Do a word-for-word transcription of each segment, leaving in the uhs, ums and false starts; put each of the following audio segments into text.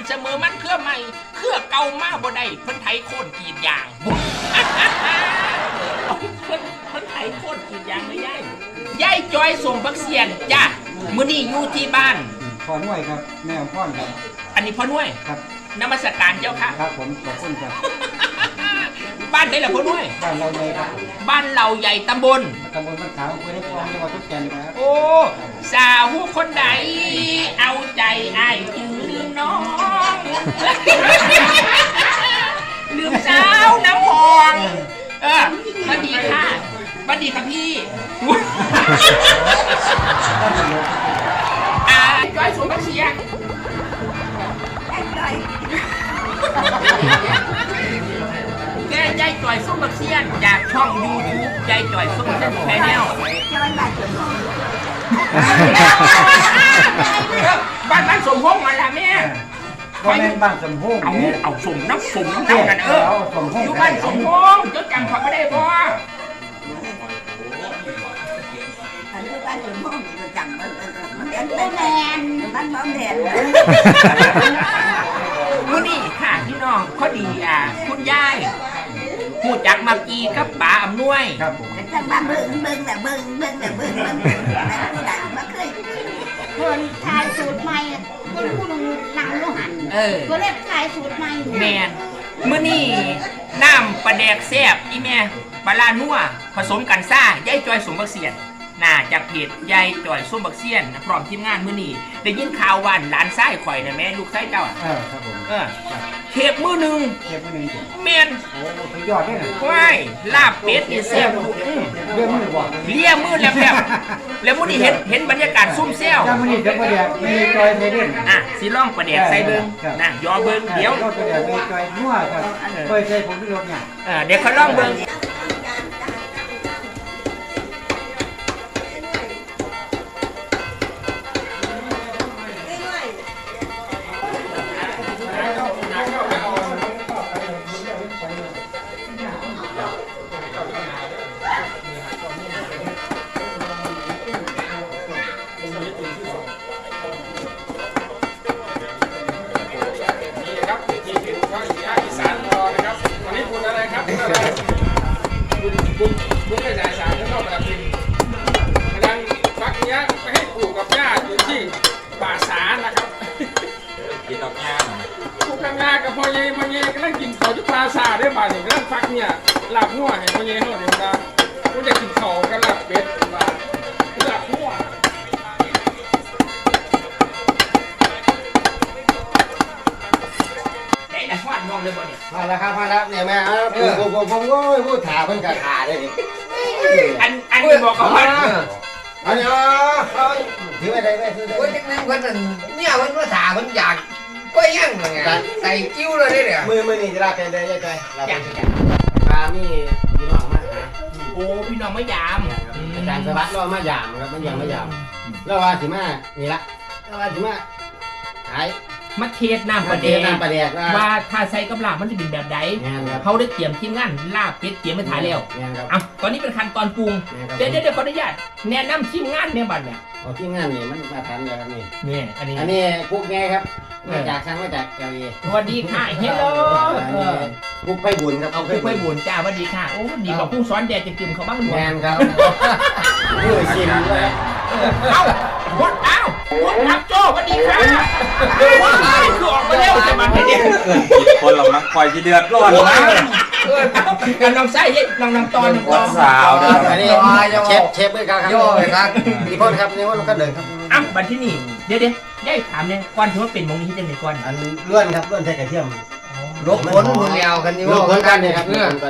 เสมอมันเครือใหม่เครือเก่ามาบ่ได้เพิ่นไถโค่นกีดยางเพิ่นเพิ่นไถโค่นกีดยางไม่ได้ยายจอยส่งบักเสียนจ้ามื้อนี้อยู่ที่บ้านพ่อหน่วยครับแม่ของพ่อครับอันนี้พ่อหน่วยครับนมัสการเจ้าค่ะครับผมขอบคุณครับบ้านไหนล่ะพ่อหน่วยบ้านเราเลยครับบ้านเราใหญ่ตำบลตำบลบ้านขาวอำเภอในคลองจังหวัดทุกแก่นครับโอ้สาวคนใดเอาใจอ้ายจึงลืมน้องลืมสาวน้ำหองเออสวัสดีค่ะสวัสดีค่ะพี่อ่าจ้อยสวนบักเชียงแกยายจ่อยส้มบักเชียนจากช่องยูทูบยายจ่อยส้มบักเชียนแชนแนลบ้านบ้านสมพงษ์มาละแม่บ้านบ้านสมพงษ์เอาเอาสมน้ำสมน้ำน้ำกันเอออยู่บ้านสมพงษ์เจ้าจำเขาไม่ได้บ่อันนี้บ้านสมพงษ์จะจำมันมันเป็นแมนบ้านบ้านแดนมื้อนี้ค่ะพี่น้องพอดีอ่ะคุณยายพูดจากมากีกับป๋าอำนวยครับผมแต่บ้านเบิ่งเบิ่งแต่เบิ่งเบิ่งแต่เบิ่งเบิ่งแต่ผู้ใดมาเคยเพิ่นทายสูตรใหม่เพิ่นผู้นึงนั่งอยู่หั่นเออเพิ่นเรียกทายสูตรใหม่แม่นมื้อนี้น้ำปลาแดกแซ่บอีแม่ปลาลานัวผสมกันซ่ายายจอยสมบักเสียนน่าจากเพจยายจ่อยส้มบักเซียนพร้อมทีมงานมื้อนี้ได้ยินข่าวว่าหลานชายข่อยน่ะแม่ลูกชายเจ้าอ่ะเออครับผมเออเทปมื้อนึงเทปมื้อนึงแม่นโอ้สุดยอดเด้อว้ายลาบเป็ดนี่แซ่บเรื่องมือบ่เลียมือแลบๆแล้วมื้อนี้เห็นเห็นบรรยากาศซุ่มแซวจ้ามื้อนี้เดี๋ยวประเดี๋ยวมีจอยใส่เด่นอ่ะสิลองประเดี๋ยวใส่เบิ่งนะยอเบิ่งเดี๋ยวประเดี๋ยวมีจอยนัวครับเคยใส่ผงชูรสเนี่ยเออเดี๋ยวเขาลองเบิ่งบุญบุญกระจายสารแล้วก็ประพินกำลังฟักเนี้ยไปให้ปู่กับย่าอยู่ที่ป่าสารนะครับกินดอกย่าปู่กับย่ากับพ่อเย่พ่อเย่กำลังกินข้าวที่ป่าสารได้บ่าเนี่ยกำลังฟักเนี่ยลาบหัวให้พ่อเย่เขาเนี่ยนะกูจะกินข้าวกับลาบเป็ดมาลาบหัวมาแล้วครับมาแล้วเนี่ยแม่ผมผมผมก็พูดถาเพิ่นกะขาได้ดิอันอันนี้บอกเขาว่าอันนี้เขาถือไปได้ไหมถือได้วันนึงวันนึงเนี่ยวันว่าถามันอยากก็ยังไงใส่กิ้วเลยเนี่ยมือมือนี่จะลาเป็นได้ยังไงลาเป็นปลามีพี่น้องมากนะโอ้พี่น้องไม่ยามอาจารย์สวัสดิ์เรามายามครับมันยังไม่ยามแล้วว่าสิมานี่ละแล้วว่าสิมาขายมาเทศน้ำปลาแดกว่าถ้าใส่กับลาบมันจะเป็นแบบใดเขาได้เตรียมทีมงานลาบเป็ดเตรียมไปถ่ายแล้วอ่ะตอนนี้เป็นขั้นตอนปรุงเดี๋ยวเดี๋ยวขออนุญาตแนะนำทีมงานเนี่ยบัดเนี่ยอ๋อทีมงานนี่มันมาทันเลยครับนี่นี่อันนี้อันนี้ปุ๊กไงครับมาจากทางมาจากเกาหลีสวัสดีค่ะเฮลโลปุ๊กไพบุญครับเอาปุ๊กไพบุญจ้าสวัสดีค่ะโอ้ดีกว่าผู้สอนแดดจะกึ่มเขาบ้างหรือแมนครับผู้ชิมด้วยเอ้าหมดเอ้าหมดรับโจ้สวัสดีค่ะคือออกมาเร็วจะมาเป็นเนี่ยคนเรามักคอยที่เดือดร้อนนะกันน้องไส้น้องน้องตอนน้องตอนสาวนะอันนี้เชฟเชฟด้วยครับย่อเลยครับนี่พ่อครับนี่ว่าเราก็เดินครับอ้ำบันที่นี่เดี๋ยวเดี๋ยวได้ถามเนี่ยก่อนถือว่าเป็นมงนี้ที่จะไหนก่อนอันเลื่อนครับเลื่อนใช้กระเทียมลบผลมือเดียวกันนี่ว่าลบผลกันเนี่ยครับเลื่อนกัน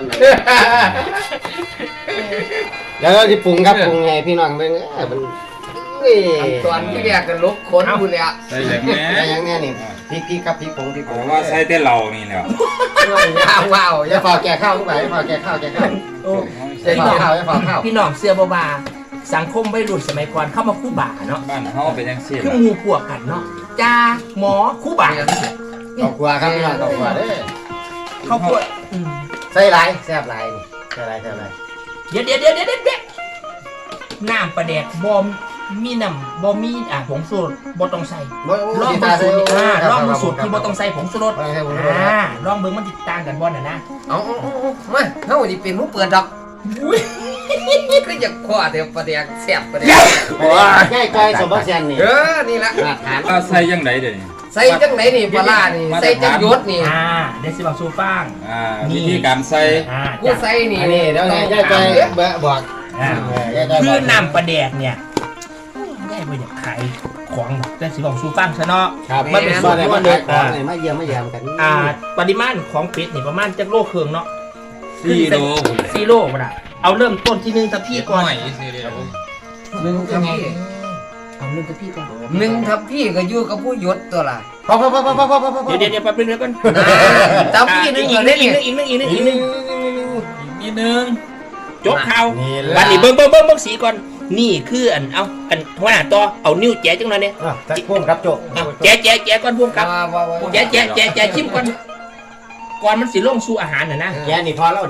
แล้วก็ที่ปรุงครับปรุงไงพี่น้องเป็นมันตอนที่เรียกกันลบขนบุญเลยอ่ะใช่อย่างนี้ใช่อย่างนี้นี่พริกพริกครับพริกผงพริกผงว่าใช่แต่เรานี่แหละว้าวว้าวอย่าฝากแก่ข้าวทุกอย่างอย่าฝากแก่ข้าวแก่ข้าวอย่าฝากข้าวอย่าฝากข้าวพี่น้องเสื้อบาบาสังคมวัยรุ่นสมัยก่อนเข้ามาคู่บ่าเนาะบ้านเขาเป็นยังซี่คือมูพวกกันเนาะจ้าหมอคู่บ่าครอบครัวครับพี่น้องครอบครัวเด้อครอบครัวใส่ไรแซ่บไรนี่ใส่ไรใส่ไรเดี๋ยวเดี๋ยวเดี๋ยวเดี๋ยวเดี๋ยวน้ำปลาแดกบอมมีน้ำบ่มีอ่ะผงชูรสบ่ต้องใส่บ่ลองสิเบิ่ตาง ใส่สูตรอ่าลองคเบิ่รับงสูตรที่บ่ต้องใส่ผงชูรสบ่ต้องใส่ผงชูรสอ่าลองเบิ่งมันติดต่างกันบ่น่ะนะเอาเอาเอาเอามาเฮาสิเป็นผู้เปิดดอกก็อยากคว้าแต่ประเดี๋ยวแซ่บประเดี๋ยวใกล้ใจสมบัติเซียนนี่เออนี่ละมาทานเอาใส่ยังไงเดี๋ยวนี้ใส่จังไหนนี่ปลาร้านี่ใส่จังยศนี่อ่าเดี๋ยวสิบอกสู่ฟังอ่านี่วิธีการใส่อ่ากูจ้ะใส่นี่อันนี้เดี๋ยวไงใกล้ใจบอกอ่าใกล้ใจคืบออกน้ำปลาแดกเนี่ยได้บ่อยากขายของแต่สิบอกสู่ฟังซะเนาะครับมันเป็นบ่ได้มาส่วนขายของอ่านี่มาเยี่ยมมาเยี่ยมกันอ่าปริมาณของเป็ดนี่ประมาณจักโลครึ่งเนาะสี่โลสี่โลบ่ล่ะเอาเริ่มต้นที่หนึ่งทัพพี่ก่อนหน่อยสิเดียวหนึ่งทับพี่เอาเริ่มทัพพี่ก่อนหนึ่งทับพี่ก็อยู่กับผู้ยศตัวละพอพอพอพอพอพอพอพอเดี๋ยวเดี๋ยวเดี๋ยวแป๊บนึงเดี๋ยวก่อนทับพี่นึงอีก็กได้นึงนี่อีกนึงอีกนึงอีกนึงอีกนึงนิดนึงจบข่าวนี่วันนี้เบิ้งเบิ้งเบิ้งเบิ้งสีก่อนนี่คืออันเอาอันหัวหน้าต่อเอานิ้วแจ๊จังหน่อยเนี่ยอ่ะจักพ่วงครับโจเอาแจ๊แจ๊แจ๊ก่อนพวกกับว่าว่าว่าแจ๊แจ๊แจ๊แจ๊ชิมก่อนก่อนมันสิลงสู่อาหารน่ะนะแกนี่พอแล้วดิ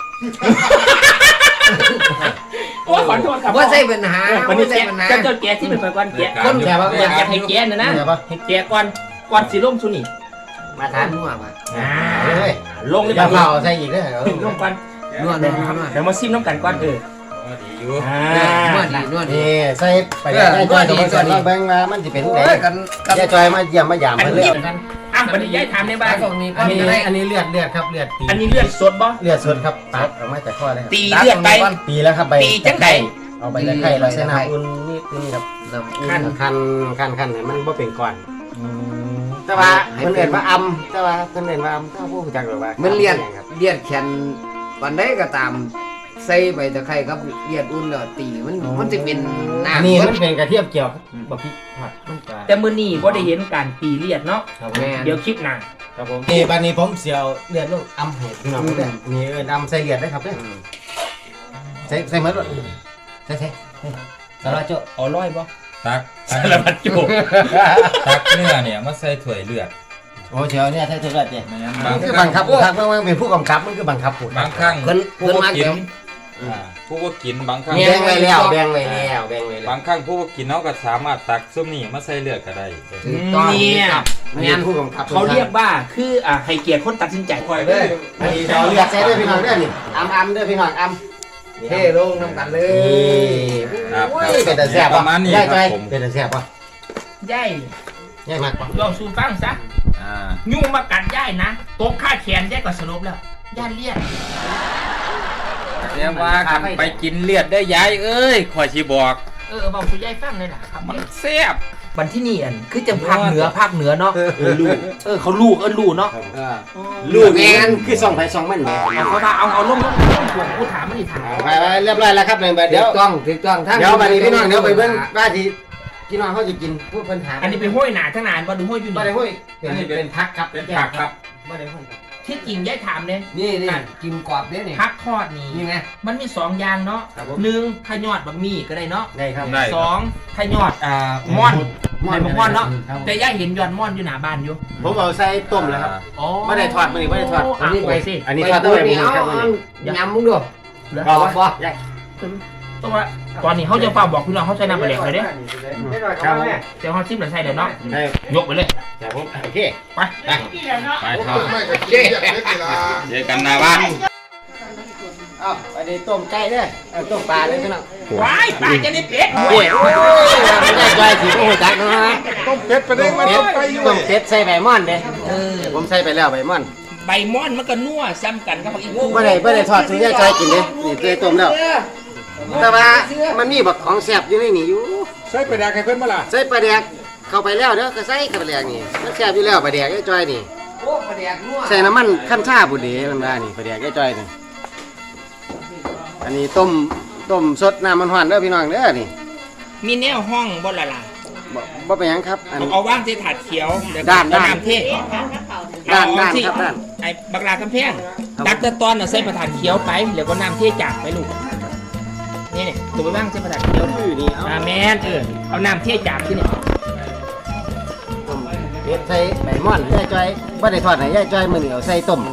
โอ้ขอโทษครับว่าใส่ปัญหาวันนี้ว่าใส่แจ๊ปัญหาเจ้าเจ้าแจ๊ที่เป็นไปก่อนแจ๊คนแกว่าอยากจะให้แจ๊น่ะนะให้แจ๊ก่อนก่อนสิลงสู่นี่มาทาทาน นนัวมาอ่าเฮ้ยลงเลยอย่าบ่เผาใส่อีกเด้อลงก่อนนัวนัวนัวเดี๋ยวมาซิมน้ำกันก่อนเออดีอยู่อ่านัวดีนัวดีนี่ใส่ไปได้จอยสมบัติเซียนเราเบิ่งว่ามันสิเป็นโอ้ไงยกันกันยายจอยมาเยี่ยมมายามอันมาเลืนี้อกอ่ะวันนี้ย้ายถามในบ้านตรงนี้ก็อันนี้ได้อันนี้เลือดเลือดครับเลือดตีอันนี้เลือดสดบ่เลือดสดครับตัดออกมาจากข้อเลยครับตีเลือดไปตีแล้วครับใบตีจังไดเอาใบตะไคร้เราใส่น้ำอุ่นนิดนึงครับน้ำอุ่ขั้นนคันคันคันให้มันบ่เป็นก้อนแต่ว่าเพิ่นเอิ้นว่าอำแต่ว่าเพิ่นเอิ้นว่าอำถ้าผู้รู้จักหรือว่ามันเลียดครับเลียดแขนวันใดก็ตามใส่ใบตะไคร้กับเลียดอุ่นแล้วตีมันมันจะเป็นอันนี้น้ำมันเป็นกระเทียมเจียวบ่พริกผัดมันก็แต่มื้อนี้บ่ได้เห็นการตีเลือดเนาะครับแม่เดี๋ยวคลิปหน้าครับผมนี่บัดนี้ผมเสียวเลือดลงอำให้พี่น้องเด้อนี่เอิ้นอำใส่เลือดได้ครับเด้อใส่ใส่หมดบ่ใส่ใส่สารวัตรโจเอาร้อยบ่ตักสารพัดจุกตักเนื้อเนี่ยมาใส่ถ้วยเลือดโอ้เชียวเนี่ยใส่เลือดเนี่ยไม่งั้นมับางนคือบังคับทางมันเป็นผู้กำกับมันคือบังคับผู้บางครั้งเพิ่นผู้เพิ่นก็มากินเดี๋ยวอ่าผู้ก็กินบางครั้งแบ่งไว้แล้วแบ่งไว้แล้วแบ่งไว้แล้วบางครั้งผู้ก็กินเขาก็สามารถตักซุปนี่มาใส่เลือดก็ได้ถูกต้องเนี่ยอันนี้ผู้กำกับเขาเรียกว่าคืออ่าให้เกียรติคนตัดสินใจคอยเด้ออันนี้เราเรียกใส่ด้วยพี่น้องเด้อนี่อำอำเด้อพี่น้องอำเท่ลงน้ำกันเลยครับโอ้ยเป็นแต่แซ่บปป่ะระมาณนี้ได้คใจรับผมเป็นแต่แซ่บป่ะย่ายได้มากป่ะลองสู่ฟังซะอ่ายุ่งมากัดย่ายนะตกค่าแขนย่ายก็สรุปแล้วย่านเลียดเรียกว่าคันไปกินเลือดได้ย้ายเอ้ยคอยชีบอกเออบอกสู่ย่ายฟังเลยล่ะครับมันแซ่บวันที่นี่อันคือจังภาคเหนือภาคเหนือเนาะเออลูกเออเขาลูกเออลูกเนาะเออลูกแมนคือส่องไปส่องมันแหมเอาเขามาเอาเอาลงลงลงห่วงกูถามมันนี่ถามไปไปเรียบร้อยแล้วครับเนี่ยเดี๋เดี๋ยยว วต้องถูกต้องทั้งเดี๋ยวบัดนี้พี่น้องเดี๋ยวไปเบิ่งว่าที่พี่น้องเขาจะกินผู้ปัญหาอันนี้เป็นห้วยหนาทั้งนานบ่ดูห้วยอยู่บ่นี่ได้ห้วยเป็นเป็นพักครับเป็นผักครับบ่ได้ห้วยที่จริงย่ายถามเลยนี่นี่กินกรอบเนี่ยนี่พักทอดนี่นี่ไงมันมีสองอย่างเนาะครับผมหนึ่งทายอดบะหมี่ก็ได้เนาะได้ครับได้สองทายอดอ่าม่อนในบะม่อนเนาะครับแต่ย่าเห็นยอดม่อนอยู่หน้าบ้านอยู่ผมเอาใส่ต้มแล้วครับอ๋อไม่ได้ทอดมื้อนี้ไม่ได้ทอดอันนี้ไปสิอันนี้ทอดตั้งแต่มื้อนี้ครับมื้อนี้ยำมึงดูเอาบ่บ่ได้ตัวตอนนี้เขาจะฝากบอกพี่น้องเขาใช้น้ำปลาแดกเลยเด้ครับผมเดี๋ยวเขาซิมหรือใส่เดี๋ยวเนาะได้ยกไปเลยครับผมโอเคไปไปทอดเจ๊เจอกันหนาบ้านอ้าวอันนี้ต้มไก่เด้อเอาต้มปลาเลยพี่น้องว้ายปลาจะได้เป็ดโอ้ยโอ้ยไม่ได้ใจสิบ่ฮู้จักเนาะต้มเป็ดไปได้มันเป็ดไปอยู่ต้มเป็ดใส่ใบม่อนเด้เออผมใส่ไปแล้วใบม่อนใบม่อนมันก็นัวซ้ำกันกับผักอีกูบ่ได้บ่ได้ทอดสุญญาใจกินเด้นี่ตัวต้มแล้วแต่ว่ามันมีบักของแซ่บอยู่ในนี่อยู่ใส่ไปแดกให้เพิ่นมาล่ะใส่ปลาแดกเข้าไปแล้วเด้อก็ใส่เข้าไปแล้วนี่มันแซ่บอยู่แล้วปลาแดกไอ้จ้อยนี่โอ้ประเดี๋ยวนัวใส่น้ำมันขั้นชาบุเดมันว่านี่ปลาแดกไอ้จ้อยนี่อันนี้ต้มต้มสดน้ำมันหวานเด้อพี่น้องเด้อนี่มีแนวห้องบ่ละล่ะบ่บ่เป็นหยังครับอันเอาว่างใส่ถาดเขียวเดี๋ยวด้านด้านน้ำเทด้านเอด้านที่ครับด้านไอ้บักลากำแพงตักแต่ตอนน่ะใส่ประถาดเขียวไปแล้วก็น้ำเทจากไปลูกนี่เนี่ยตัวไปว่างใส่ประถาดเขียวชื่อนี่เอาอ่าแมนเออเอาน้ำเทจากที่นี่ต้มเฮ็ดใส่ใบม่อนยายจ้อยบ่ได้ทอดให้ยายจ้อยมื้อนี้เอาใส่ต้ม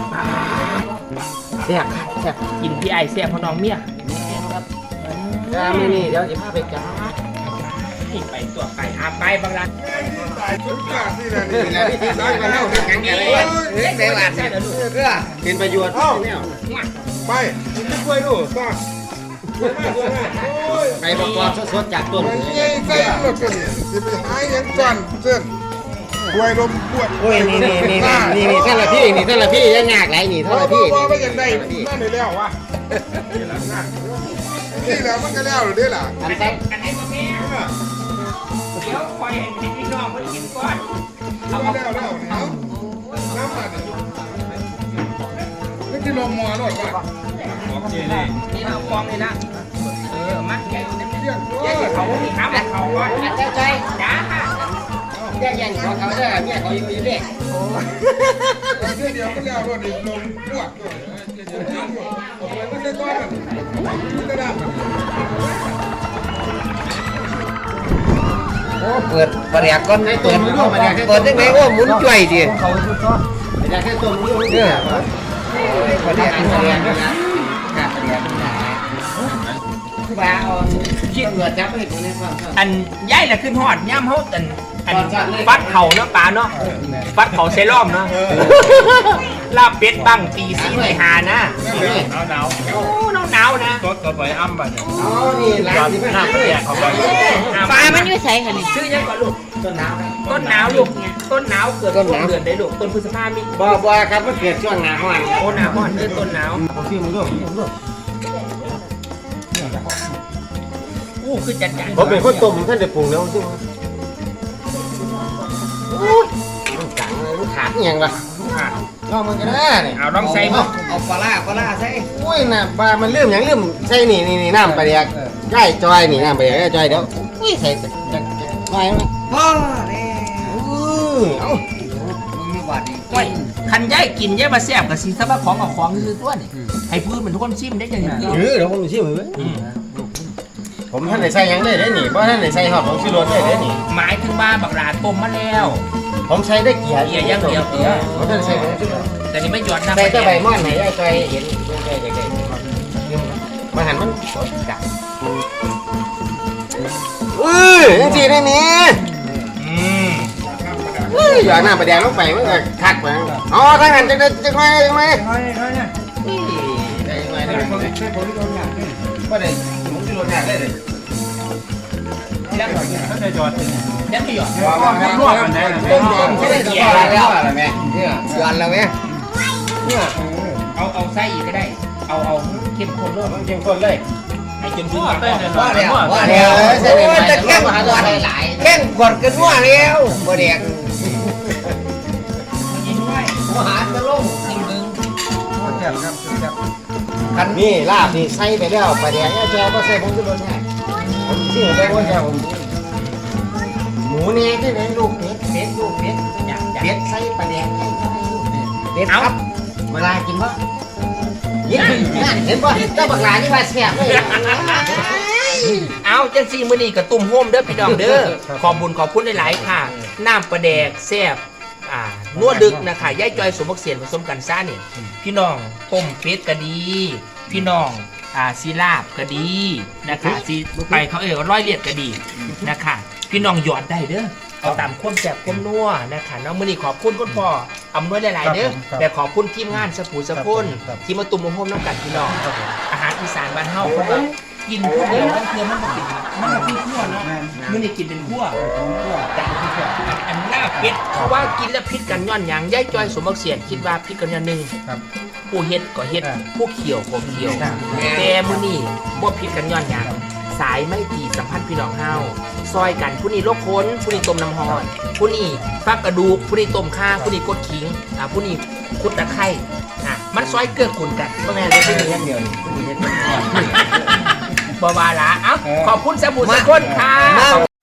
แซ่บแซ่บกินพี่ไอเสียพอน้องเมียจ้ามื้อนี้เดี๋ยวสิพาไปจ้านี่ไปตัวไปอาไปบางร้านชุดกาที่นั่นนี่นะที่ได้มาแล้วแข็งแรงเลยเฮ้ยได้หวานใช่เหรอลูกเพื่อเป็นประโยชน์เนี่ยไปนี่กล้วยดูป้าใบประกอบสดๆจากต้นใส่ใส่รถกันสิไปหายังก่อนเส้นกล้วยลมปวดโอ้ยนี่นี่นี่นี่นี่ท่านละพี่นี่ท่านละพี่ยังยากไรนี่ท่านละพี่ว่าไม่ยังได้นั่นเลยแล้ววะนี่แหละนั่นนี่แหละมันก็แล้วหรือเนี่ยล่ะอันกันตั้ให้กันให้มาแม่เดี๋ยวคอยให้พี่น้องมันกินก่อนเอาแล้วเอาแล้วแล้วน้ำมันนี่ที่ลมมัวรถป่ะนี่เราฟองเลยนะเออมาแกงน้ำเรียกแกงเขามีน้ำเขาก่อนอันเจ้าใจจ้าแย่ยังของเขาเด้อเนี่ยเขาอยู่เด็กเดี๋ยวเดี๋ยวก็แล้วรถอีกลมปวดด้วยเดี๋ยวเดี๋ยวมันจะต้อนมันจะดับโอ้เปิดประเดี๋ยวก่อนเปิดเปิดยังไงโอ้หมุนจ่วยดิเขาชุดก็อยากให้ต้นนี้เนี่ยประเดี๋ยวกินประเดี๋ยวนะประเดี๋ยวนะปลาอ่อนคิดเหงื่อจับให้ตัวนี้ฟังอันย้ายละขึ้นหอดย่ำเขาอันอันฟัดเข่าเนาะปลาเนาะฟัดเข่าเซรั่มเนาะลาบเป็ดบ้างตีซีไปหานะหนาวหนาวโอ้หนาวหนาวนะตัวตัวไปอ้ำบัดเนี่ยอ๋อนี่ร้านที่ไม่ทำเลยฟ้ามันอยู่ใส่ค่ะนี่ชื่อยังก่อนลูกต้นหนาวครับต้นหนาวลูกต้นหนาวเกิดช่วงเดือนได้ลูกต้นพฤษภามีบ่บ่ครับมันเกิดช่วงหนาวห้อนโอ้หนาวก่อนเดือนต้นหนาวผมพี่มึงด้วยมึงด้วยอู้คือจัดจัดผมเป็นคนต้มท่านได้ปรุงแล้วซึ่งมันจังเลยมันขาดอย่างละลองมันก็ได้เนี่ยเอาลองใส่มั้งเอาปลาร้าปลาร้าใส่โอ้ยน่ะปลามันเริ่มอย่างเริ่มใส่นี่นี่นี่น้ำปลาเดียกใกล้จอยนี่น้ำปลาเดียกใกล้จอยเดี๋ยวอุ้ยใส่จักจักไม่ไม่พ่อเนี่ยอือเอ้ามึงมีบาดดีไว้คันย้ายกินย้ายมาแซ่บกับซีซับของกับของคือตัวนี่ให้พื้นมันทุกคนชิมได้ยังไงเออเดี๋ยวผมชิมเลย ผมท่านได้ใส่ยังได้ได้หนิเพราะท่านได้ใส่หอดของชิโรสได้ได้หนิหมายถึงบ้าบักหลาต้มมาแล้วผมใช้ได้เกียร์เกียร์อย่างเดียวเกียร์ผมท่านใส่ของชิโรสแต่นี่ไม่หยอดน้ำใส่แต่ใบม่อนไหนได้จอยเห็นได้ได้ได้มาหันมันจับอือจริงๆได้นี่อืมอุ้ยอย่าหน้าประแดงลงไปมันก็คักไปอ๋อทางนั้นจะได้จะไงจะไงได้ไงได้ผมช่วยผมที่โดนหยาบก็ได้ผมที่โดนหยาบได้เลยแล้วถ้าจะหยอดแล้วไม่หยอดนวดกันได้เลยต้นยอมไม่ได้เกียร์แล้วอะไรแม่เนี่ยหย่อนแล้วไหมเนี่ยเอาเอาไส้อีกก็ได้ เอาเอาเข้มข้นด้วยมันเข้มข้นเลยให้จนถึงหลังว่าแล้วว่าเอแล้วอใช่ไหมโอ้ยจะแข่งกอดแข่งกอดกันว่าแล้วบ่เด็กหัวหารมาลงจริงมึงคันนี่ลาบนี่ใส่ไปแล้วประแดงเนี่ยแจวก็ใส่ผมที่โดนหยาบผมที่หัวใจว่าแจวผมหมูเนี่ยที่ไหนลูกเป็ดเป็ดลูกเป็ดอยากอยากเป็ดใส่ประแดงให้ใส่ลูกเป็ดเด็ดครับเวลากินวะเห็นเห็นป่ะเจ้าบักหลานี่ว่าแซ่บเลยเอาจังซี่มื้อนี้ก็ตุ่มโฮมเด้อพี่น้องเด้อขอบบุญขอบคุณหลายๆค่ะน้ำปลาแดกแซ่บอ่านัวดึกนะคะย่ายจอยสมบักเสียนผสมกันซ่าเนี่ยพี่น้องต้มเป็ดก็ดี พี่น้องอ่าซีลาบก็ดีนะคะซีไปเขาเออร้อยเลียดก็ดีนะคะพี่น้องหยอดได้เด้อเอาตามความแซ่บความนัวนะคะน้องมื้อนี้ขอบคุณคุณพ่ออำนวยหลายๆเด้อแต่ขอบคุณทีมงานสปูสะพุนที่มาตุ่มโฮมน้ำกันพี่น้องอาหารอีสานบ้านเฮาเพราะว่ากินผู้เดียวมันคือมันบ่กินมันบ่คือคั่วเนาะมื้อนี้กินเป็นคั่วแต่อันลาบเป็ดเพราะว่ากินแล้วพิษกันย้อนหยังย่ายจอยสมบักเสียนคิดว่าพิษกันย้อนหนึงผู้เฮ็ดก็เฮ็ดผู้เขียวก็เขียวแต่มื้อนี้บ่พิษกันย้อนหยังสายไม่ตีสัมพันธ์พี่น้องเฮาซอยกันผู้นี้ลกค้นผู้นี้ต้มน้ำฮ้อนผู้นี้ฟักกระดูกผู้นี้ต้มข่าผู้นี้กดขิงอ่าผู้นี้คุดตะไคร้อ่ะมันซอยเกื้อกูลกันบ่แม่นเลยผู้นี้อย่างเดียวผู้นี้เฮ็ดบ่ว่าละเอ้าขอบคุณสบู่สกุลค่ะ